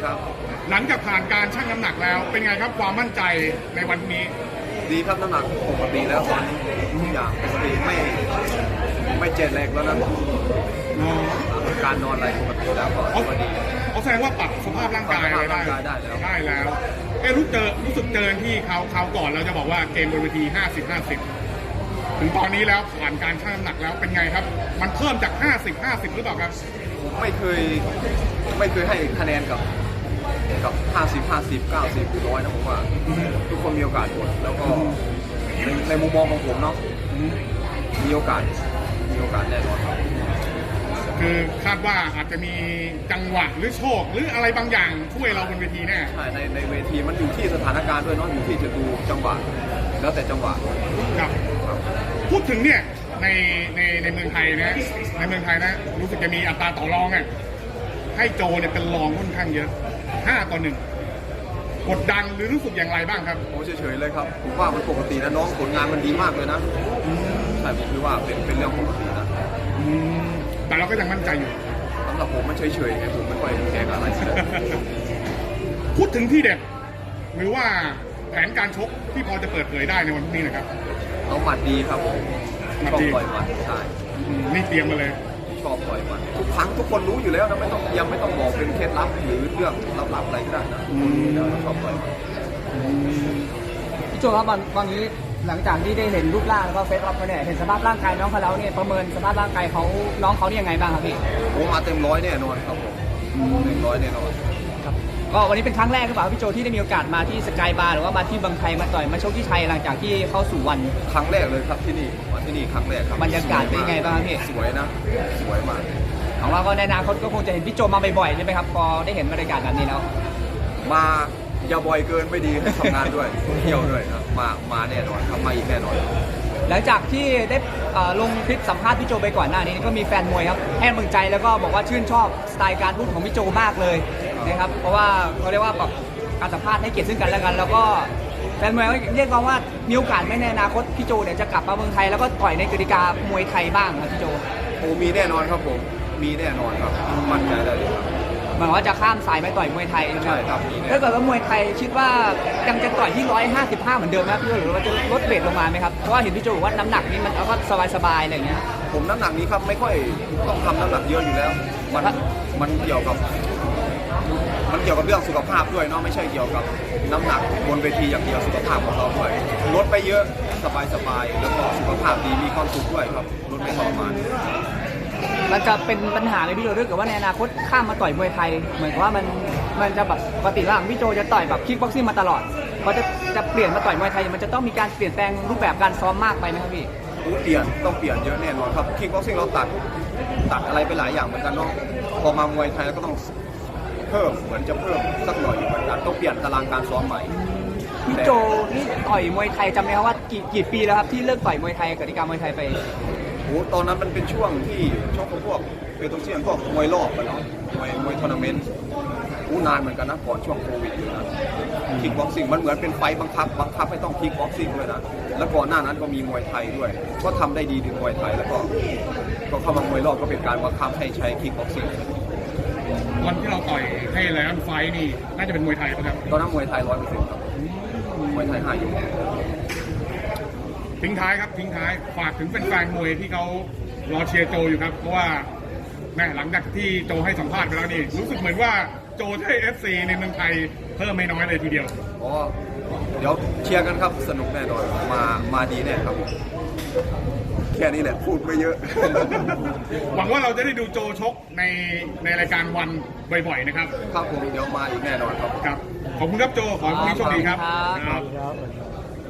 ครับหลังจากผ่านการชั่งน้ำหนักแล้วเป็นไงครับความมั่นใจในวันนี้ดีครับน้ำหนักปกติแล้วตอนนี้ทุกอย่างปกติไม่เจ็บแรงแล้วนะการนอนอะไรปกติแล้วก็ดีเขาแสดงว่าปรับสภาพร่างกายอะไรได้แล้วรู้สึกเจอที่เขาก่อนเราจะบอกว่าเกมบนเวที50-50ถึงตอนนี้แล้วผ่านการชั่งน้ำหนักแล้วเป็นไงครับมันเพิ่มจาก50-50หรือเปล่าครับไม่เคยให้คะแนนกับ50 90 100นะผมว่าทุกคนมีโอกาสหมดแล้วก็ในมุมมองของผมเนาะมีโอกาสแน่นอนครับคือคาดว่าอาจจะมีจังหวะหรือโชคหรืออะไรบางอย่างช่วยเราบนเวทีแน่ใช่ในเวทีมันอยู่ที่สถานการณ์ด้วยเนาะอยู่ที่จะดูจังหวะแล้วแต่จังหวะครับพูดถึงเนี่ยในเมืองไทยนะรู้สึกจะมีอัตราต่อรองอ่ะให้โจเนี่ยเป็นรองค่อนข้างเยอะ5-1กดดันหรือรู้สึกอย่างไรบ้างครับโอ้เฉยๆเลยครับผมว่ามันปกตินะน้องผลงานมันดีมากเลยนะใช่ผมคิดว่าเป็นเรื่องปกตินะแต่เราก็ยังมั่นใจอยู่สำหรับผมมันเฉยๆไงผมไม่ค่อยแข่งอะไรพูดถึงที่เด็ดหรือว่าแผนการชกที่พอจะเปิดเผยได้ในวันนี้นะครับเอาหมัดดีครับผมชอบต่อยหมัดใช่นี่เตรียมมาเลยชอบต่อยหมัดทุกครั้งทุกคนรู้อยู่แล้วนะไม่ต้องบอกเป็นเคล็ดลับหรือเรื่องลับๆอะไรก็ได้นะชอบต่อยหมัดพี่โจครับวันนี้หลังจากที่ได้เห็นรูปร่างแล้วก็เฟซอัพเขาเนี่ยเห็นสภาพร่างกายน้องเขาแล้วเนี่ยประเมินสภาพร่างกายน้องเขาเนี่ยยังไงบ้างครับพี่โอ้มาเต็มร้อยแน่นอนครับผมเต็มร้อยแน่นอนครับก็วันนี้เป็นครั้งแรกหรือเปล่าพี่โจที่ได้มีโอกาสมาที่สกายบาร์หรือว่ามาที่บางไทยมาต่อยมาชกที่ไทยหลังจากที่เข้าสู่วันครั้งแรกเลยครับที่นี่มาที่นี่ครั้งแรกครับบรรยากาศเป็นยังไงบ้างพี่สวยนะสวยมากของเราก็ในอนาคตก็คงจะเห็นพี่โจมาบ่อยๆใช่ไหมครับพอได้เห็นบรรยากาศแบบนี้แล้วมาอย่าบ่อยเกินไม่ดีให้ทำงานด้วยเที่ยวด้วยครับมาแน่นอนครับมาอีกแน่นอนหลังจากที่ได้ลงคลิปสัมภาษณ์พี่โจไปก่อนหน้านี้ก็มีแฟนมวยครับให้กำลังใจแล้วก็บอกว่าชื่นชอบสไตล์การพูดของพี่โจมากเลยนะครับเพราะว่าเขาเรียกว่าแบบการสัมภาษณ์ให้เกียรติซึ่งกันและกันแล้วก็แฟนมวยเรียกว่ามีโอกาสไม่ในอนาคตพี่โจเนี่ยจะกลับมาเมืองไทยแล้วก็ต่อยในกติกามวยไทยบ้างครับพี่โจโอ้มีแน่นอนครับผมมีแน่นอนครับมั่นใจได้เลยครับหมายว่าจะข้ามสายไปต่อยมวยไทยใช่ครับถ้าเกิดว่ามวยไทยคิดว่ายังจะต่อยที่155เหมือนเดิมไหมพี่โจหรือว่าจะลดเวทลงมาไหมครับเพราะว่าเห็นพี่โจบอกว่าน้ำหนักนี้มันก็สบายๆอะไรอย่างเงี้ยผมน้ำหนักนี้ครับไม่ค่อยต้องทำน้ำหนักเยอะอยู่แล้วมันเกี่ยวกับเรื่องสุขภาพด้วยเนาะไม่ใช่เกี่ยวกับน้ำหนักบนเวทีอย่างเดียวสุขภาพของเราด้วยลดไปเยอะสบายแล้วก็สุขภาพดีมีความสุขด้วยครับลดไม่ทรมานมันจะเป็นปัญหาในพี่โจด้วยกับว่าในอนาคตข้ามมาต่อยมวยไทยเหมือนกับว่ามันจะแบบปกติว่าพี่โจจะต่อยแบบคิกบ็อกซิ่งมาตลอดพอจะเปลี่ยนมาต่อยมวยไทยมันจะต้องมีการเปลี่ยนแปลงรูปแบบการซ้อมมากไปไหมครับพี่ต้องเปลี่ยนเยอะแน่นอนครับคิกบ็อกซิ่งเราตัดอะไรไปหลายอย่างเหมือนกันเนาะพอมามวยไทยก็ต้องเพิ่มเหมือนจะเพิ่มสักหน่อยเหมือนกันต้องเปลี่ยนตารางการซ้อมใหม่พี่โจนี่ต่อยมวยไทยจำได้ว่ากี่ปีแล้วครับที่เลิกต่อยมวยไทยกติกามวยไทยไปโอ้ตอนนั้นมันเป็นช่วงที่ชกพวกเป็นตัวเชี่ยนพวกมวยรอบกันเนาะมวยทัวร์นาเมนต์นานเหมือนกันนะก่อนช่วงโควิดนะคิกบ็อกซิ่งมันเหมือนเป็นไฟบังคับให้ต้องคิกบ็อกซิ่งด้วยนะแล้วก่อนหน้านั้นก็มีมวยไทยด้วยก็ทำได้ดีถึงมวยไทยแล้วก็เข้ามามวยรอบก็เป็นการบังคับให้ใช้คิกบ็อกซิ่งวันที่เราต่อยให้แล้วไฟนี่น่าจะเป็นมวยไทยป่ะครับตอนนั้นมวยไทย100%ครับมวยไทย5อยู่ทิ้งท้ายฝากถึงแฟนๆมวยที่เขารอเชียร์โจอยู่ครับเพราะว่าแม่หลังจากที่โจให้สัมภาษณ์ไปแล้วนี่รู้สึกเหมือนว่าโจให้ FC ในเมืองไทยเพิ่มไม่น้อยเลยทีเดียวอ๋อเดี๋ยวเชียร์กันครับสนุกแน่นอนมาดีแน่ครับแค่นี้แหละพูดไม่เยอะหวังว่าเราจะได้ดูโจชกในรายการวันบ่อยๆนะครับครับผมเดี๋ยวมาอีกแน่นอนครับขอบคุณครับโจขอให้คุณโชคดีครับ